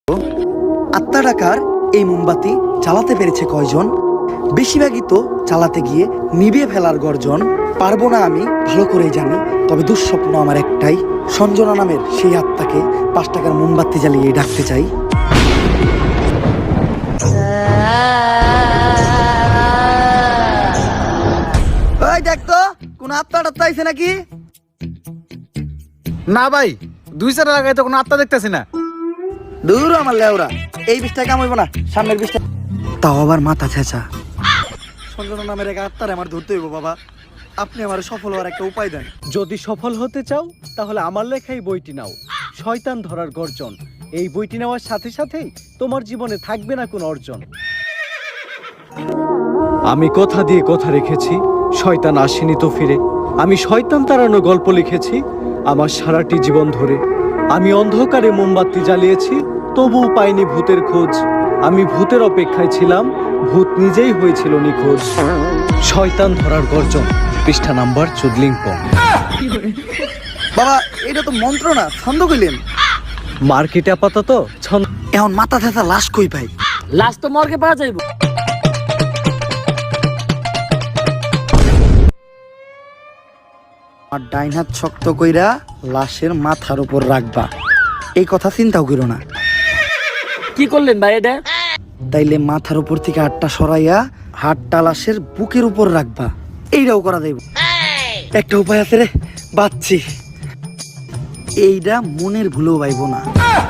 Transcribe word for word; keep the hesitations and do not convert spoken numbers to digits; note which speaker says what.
Speaker 1: আত্মা ডাকার এই মোমবাতি জ্বালাতে পেরেছে কয়জন? বেশিরভাগই তো চালাতে গিয়ে নিভিয়ে ফেলার গর্জন। পারবো না আমি ভালো করেই জানি, তবে দুঃস্বপ্ন আমার একটাই, সঞ্জনা নামের সেই আত্মাকে পাঁচ টাকার মোমবাতি জ্বালিয়ে ডাকতে চাই। ওই দেখ তো কোন আত্মা টাত্মা আইছে নাকি?
Speaker 2: না ভাই, দুই চার লাগাই তো কোনো আত্মা দেখতেছি না।
Speaker 1: দূর আমার লেওরা, এই বিষটা কাম হইব না, সামনের বিষটা। তাও আবার মাথা ছেঁচা। সঞ্জনা নামের এক আত্মার আমার ধরতে হইব বাবা, আপনি আমার সফল হওয়ার একটা উপায় দেন।
Speaker 3: যদি সফল হতে চাও তাহলে আমার লেখাই বইটি নাও, শয়তান ধরার গর্জন। এই বইটি নেওয়ার সাথে সাথেই তোমার জীবনে থাকবে না কোনো অর্জন। আমি কথা দিয়ে কথা রেখেছি, শয়তান আসেনি তো ফিরে। আমি শয়তান তাড়ানো গল্প লিখেছি আমার সারাটি জীবন ধরে। আমি অন্ধকারে মোমবাতি জ্বালিয়েছি, তবুও পাইনি ভূতের খোঁজ। আমি ভূতের অপেক্ষায় ছিলাম, ভূত নিজেই হয়েছিল নিখোঁজ। শয়তান ধরার গর্জন, পৃষ্ঠা নাম্বার চুদলিংপং।
Speaker 1: বাবা এটা তো মন্ত্র না, ছন্দ কইলেন।
Speaker 3: মার্কেটে আপাতত ছন্দ।
Speaker 1: এখন মাথা ছেঁচা লাশ কই পাই?
Speaker 4: লাশ তো মর্গে পাওয়া যাইব।
Speaker 1: আর ডাইন হাত শক্ত কইরা লাশের মাথার উপর রাখবা, এই কথা চিন্তাও করো না।
Speaker 4: কি করলেন ভাই এটা?
Speaker 1: তাইলে মাথার উপর থেকে হাতটা সরাইয়া হাতটা লাশের বুকের উপর রাখবা, এইটাও করা যাইব। একটা উপায় আছে রে, বাচ্চি। এইটা মনের ভুলেও পাইব না।